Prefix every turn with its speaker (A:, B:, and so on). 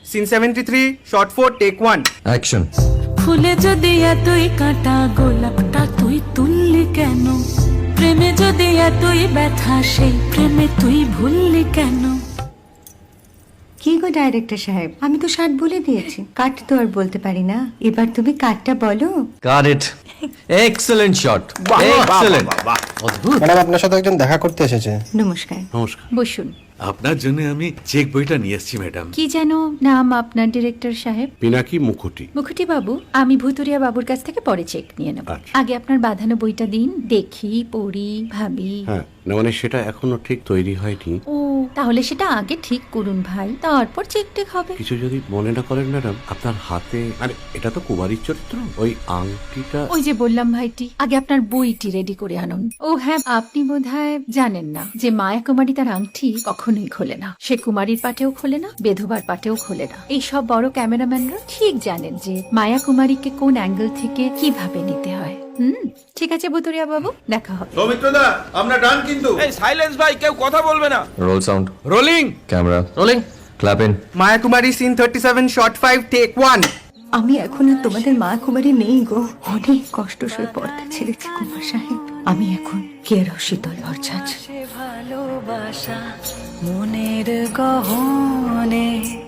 A: Scene 73 short 4 take 1
B: action.
C: ফুলে যদি এতই কাঁটা গোলাপটা তুই তুললি কেন? প্রেমে যদি এতই ব্যথা সেই প্রেমে তুই ভুললি কেন?
D: কি গো ডাইরেক্টর সাহেব, আমি তো 60 বলে দিয়েছি, কাট তো আর বলতে পারি না, এবার তুমি কাটটা বলো।
B: Got it. Excellent shot, excellent. অদ্ভুত।
E: ম্যাডাম আপনার সাথে একজন দেখা করতে এসেছে।
D: নমস্কার।
F: নমস্কার।
D: বসুন।
F: আপনার জন্য আমি চেক বইটা নিয়ে এসেছি ম্যাডাম।
D: কি যেন নাম আপনার ডিরেক্টর সাহেব?
F: পিনাকি মুখোটি।
D: মুখুটি বাবু, আমি ভুতুরিয়া বাবুর কাছ থেকে পরে চেক নিয়ে নেব।
F: আচ্ছা।
D: আগে আপনার বাঁধানো বইটা দিন, দেখি, পড়ি, ভাবি।
F: হ্যাঁ, না মানে সেটা এখনো ঠিক তৈরি হয়নি।
D: ও, তাহলে সেটা আগে ঠিক করুন ভাই, তারপর চেক টেক হবে।
F: কিছু যদি মনে না করেন ম্যাডাম, আপনার হাতে, আরে এটা তো কুমারীর চরিত্র, ওই আংটিটা।
D: ওই যে বললাম ভাইটি, আগে আপনার বইটি রেডি করে আনুন। ও হ্যাঁ, আপনি বোধহয় জানেন না যে মায়া কুমারী তার আংটি কখনোই খোলে না। সে কুমারীর পাটেও খোলে না, বেধবার পাটেও খোলে না। এই সব বড় ক্যামেরাম্যানরা ঠিক জানেন যে মায়া কুমারীকে কোন অ্যাঙ্গেল থেকে কিভাবে নিতে হয়। ঠিক আছে ভুতুরিয়া বাবু, দেখা হবে।
G: সৌমিত্রদা, আমরা ডান কিন্তু। এই সাইলেন্স ভাই, কেউ কথা বলবে না।
B: Roll sound,
G: rolling.
B: Camera rolling, clap in.
A: Maya Kumari scene 37 shot 5 take 1
D: আমি এখন আর তোমাদের মা কুমারী নেই গো, অনেক কষ্ট সয়ে পর্দা ছেড়েছি কুমার সাহেব। আমি এখন কেরো শীতল ভরছাছ।
C: ভালোবাসা মনের গহনে